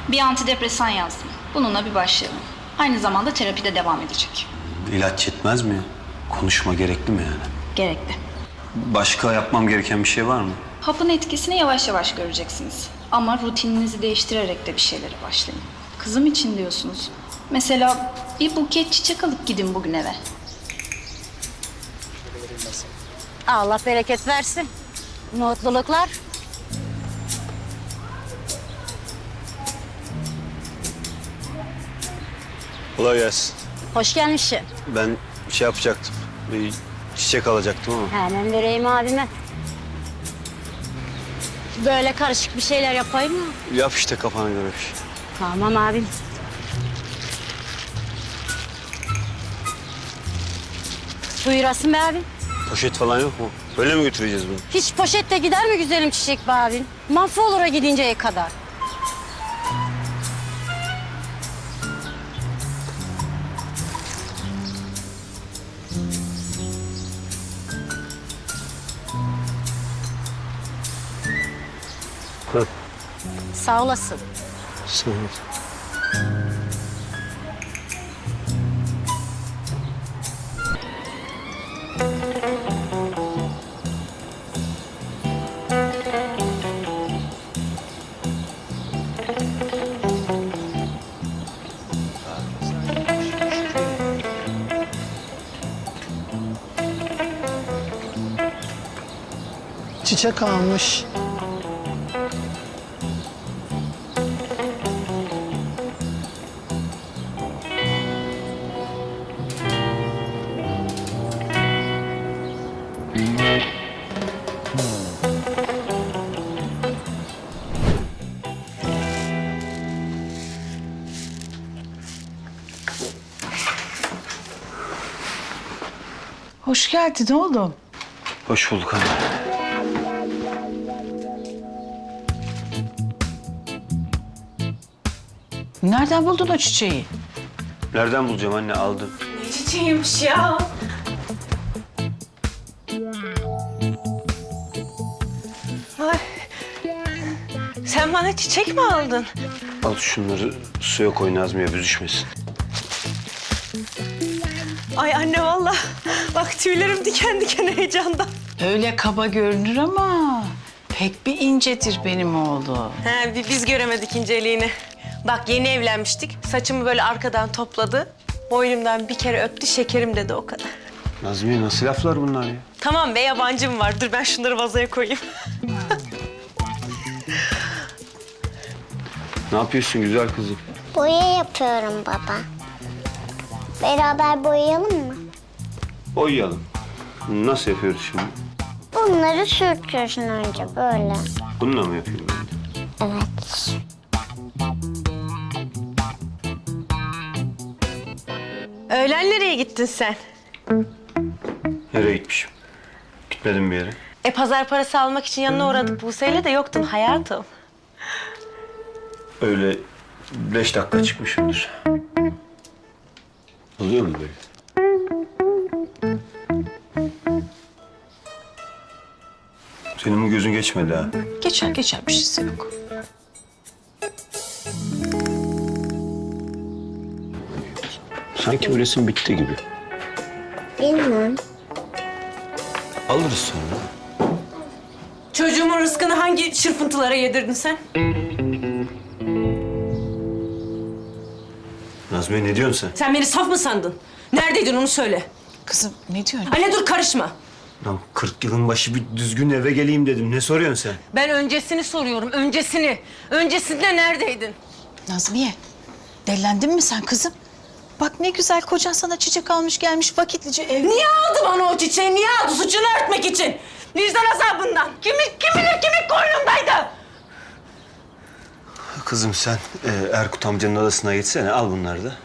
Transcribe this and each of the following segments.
Bir antidepresan yazdım. Bununla bir başlayalım. Aynı zamanda terapide devam edecek. İlaç yetmez mi ya? Konuşma gerekli mi yani? Gerekli. Başka yapmam gereken bir şey var mı? Hapın etkisini yavaş yavaş göreceksiniz. Ama rutininizi değiştirerek de bir şeylere başlayın. Kızım için diyorsunuz. Mesela bir buket çiçek alıp gidin bugün eve. Allah bereket versin. Mutluluklar. Kolay gelsin. Hoş gelmişsin. Ben şey yapacaktım. Bir çiçek alacaktım ama. Hemen vereyim abime. Böyle karışık bir şeyler yapayım mı? Yap işte kafana göre bir şey. Tamam abim. Buyurasın be abim. Poşet falan yok mu? Böyle mi götüreceğiz bunu? Hiç poşette gider mi güzelim çiçek be abim? Mahvolura gidinceye kadar. Hı. Sağ olasın. Sağ ol. Çiçek almış. Hoş geldin oğlum. Hoş bulduk anne. Nereden buldun o çiçeği? Nereden bulacağım anne? Aldım. Ne çiçeğiymiş ya? Ay. Sen bana çiçek mi aldın? Al şunları suya koy Nazmiye büzüşmesin. Ay anne vallahi. Bak tüylerim diken diken heyecandan. Öyle kaba görünür ama pek bir incedir benim oğlum. He, biz göremedik inceliğini. Bak yeni evlenmiştik. Saçımı böyle arkadan topladı. Boynumdan bir kere öptü, şekerim dedi o kadar. Nazmiye nasıl laflar bunlar ya? Tamam be yabancım var. Dur ben şunları vazoya koyayım. Ne yapıyorsun güzel kızım? Boya yapıyorum baba. Beraber boyayalım mı? Boyayalım. Nasıl yapıyoruz şimdi? Bunları sürtüyorsun önce böyle. Bununla mı yapıyorum ben de? Evet. Öğlen nereye gittin sen? Nereye gitmişim? Gitmedim bir yere. Pazar parası almak için yanına uğradık. Buse'yle de yoktun hayatım. Öyle 5 dakika çıkmışımdır. Oluyor mu böyle? Senin bu gözün geçmedi ha. Geçer geçer bir şeysi yok. Sanki bu resim bitti gibi. Bilmem. Alırız sonra. Çocuğumun rızkını hangi çırpıntılara yedirdin sen? Nazmiye ne diyorsun sen? Sen beni saf mı sandın? Neredeydin onu söyle. Kızım ne diyorsun? Anne dur karışma. Lan 40 yılın başı bir düzgün eve geleyim dedim. Ne soruyorsun sen? Ben öncesini soruyorum, öncesini. Öncesinde neredeydin? Nazmiye delendin mi sen kızım? Bak ne güzel kocan sana çiçek almış gelmiş vakitlice ev. Niye aldı bana o çiçeği? Niye aldı? Suçunu örtmek için. Vicdan azabından. Kim bilir kimin koynundaydı? Kızım sen Erkut amcanın odasına gitsene. Al bunları da.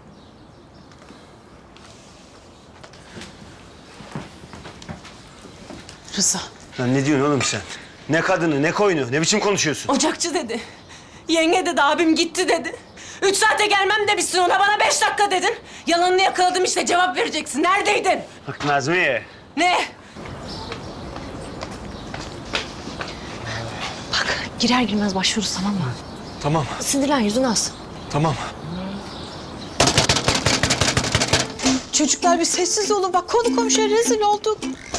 Rıza. Lan ne diyorsun oğlum sen? Ne kadını, ne koyunu, ne biçim konuşuyorsun? Ocakçı dedi. Yenge dedi, abim gitti dedi. 3 saate gelmem demişsin ona, bana 5 dakika dedin. Yalanını yakaladım işte, cevap vereceksin. Neredeydin? Bak Nazmiye. Ne? Girer girmez başlıyoruz tamam mı? Tamam, Sinirlen yüzün az. tamam. Çocuklar bir sessiz olun. Bak konu komşuya rezil olduk.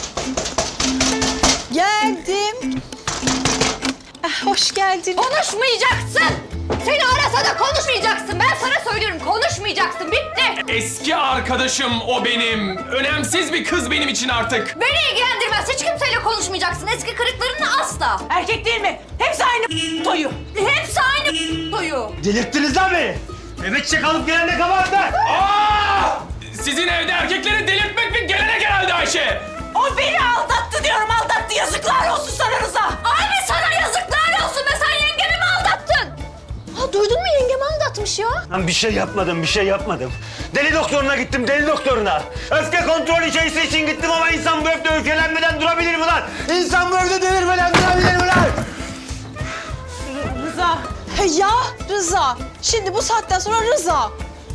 Geldim. Hoş geldin. Konuşmayacaksın. Seni arasa da konuşmayacaksın. Ben sana söylüyorum, konuşmayacaksın. Bitti. Eski arkadaşım o benim. Önemsiz bir kız benim için artık. Beni ilgilendirmez. Hiç kimseyle konuşmayacaksın. Eski kırıklarınla asla. Erkek değil mi? Hepsi aynı toyu. Hepsi aynı toyu. Delirttiniz lan beni. Eve çiçek alıp gelen ne kabahat lan? Aa! Sizin evde erkekleri delirtmek bir gelenek herhalde Ayşe. O beni aldattı diyorum, aldattı. Yazıklar olsun sana Rıza. Abi sana yazıklar olsun be. Sen yengemi mi aldattın? Ha duydun mu yengemi aldatmış ya? Lan bir şey yapmadım. Deli doktoruna gittim, deli doktoruna. Öfke kontrol içerisi için gittim ama insan bu evde öfkelenmeden durabilir mi lan? İnsan bu evde delirmeden durabilir mi lan? Rıza. Ya Rıza. Şimdi bu saatten sonra Rıza.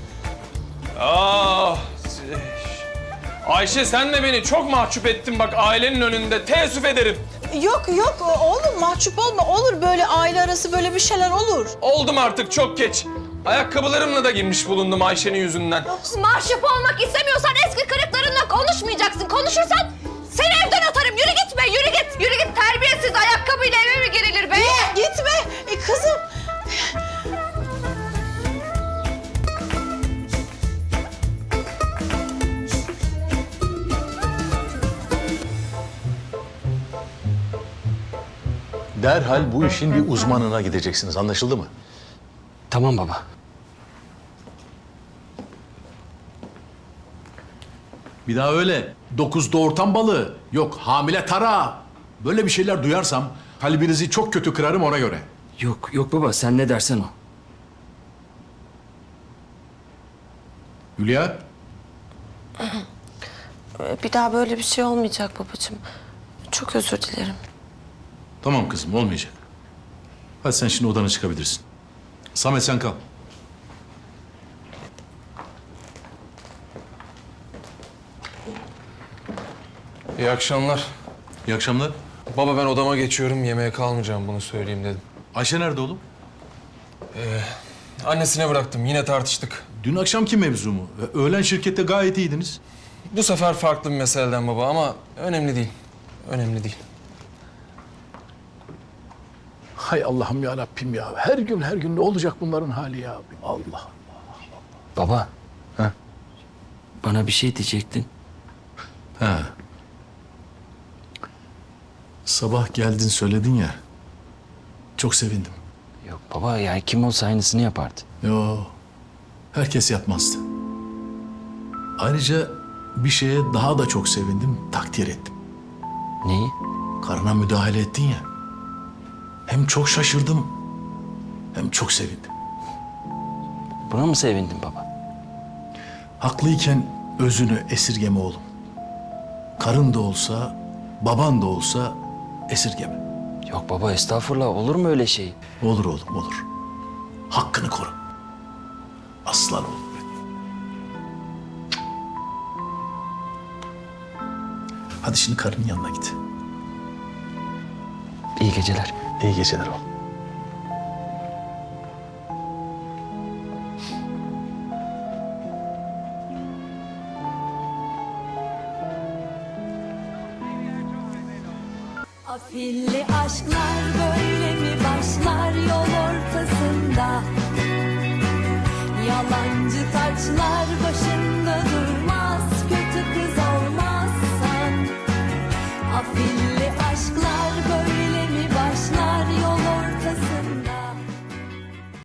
Ayşe sen de beni çok mahcup ettin bak ailenin önünde. Teessüf ederim. Yok oğlum mahcup olma. Olur böyle aile arası böyle bir şeyler olur. Oldum artık çok geç. Ayakkabılarımla da girmiş bulundum Ayşe'nin yüzünden. Mahcup olmak istemiyorsan eski kırıklarınla konuşmayacaksın. Konuşursan seni evden atarım. Yürü gitme, yürü git. Yürü git, terbiyesiz ayakkabıyla eve mi girilir be? Gitme kızım. Derhal bu işin bir uzmanına gideceksiniz. Anlaşıldı mı? Tamam baba. Bir daha öyle 9 doğurtan balığı, yok hamile tara. Böyle bir şeyler duyarsam kalbinizi çok kötü kırarım ona göre. Yok baba sen ne dersen o. Hülya, Bir daha böyle bir şey olmayacak babacığım. Çok özür dilerim. tamam kızım olmayacak. Hadi sen şimdi odana çıkabilirsin. Samet sen kal. İyi akşamlar. İyi akşamlar. Baba ben odama geçiyorum. Yemeğe kalmayacağım bunu söyleyeyim dedim. Ayşe nerede oğlum? Annesine bıraktım. Yine tartıştık. Dün akşamki mevzu mu? Öğlen şirkette gayet iyiydiniz. Bu sefer farklı bir meseleden baba ama önemli değil. Önemli değil. Hay Allah'ım ya Rabbim ya. Her gün ne olacak bunların hali ya? Allah. Baba. Ha? Bana bir şey diyecektin. Ha. Sabah geldin söyledin ya. Çok sevindim. Yok baba ya kim olsa aynısını yapardı. Yo. Herkes yapmazdı. Ayrıca bir şeye daha da çok sevindim, takdir ettim. Neyi? Karına müdahale ettin ya. Hem çok şaşırdım, hem çok sevindim. Buna mı sevindin baba? Haklıyken özünü esirgeme oğlum. Karın da olsa, baban da olsa esirgeme. Yok baba estağfurullah olur mu öyle şey? Olur oğlum, olur. Hakkını koru. Aslan oğlum benim. Hadi şimdi karının yanına git. İyi geceler. İyi geceler oğlum. Afilli aşklar böyle mi başlar yol ortasında? Yalancı taçlar başı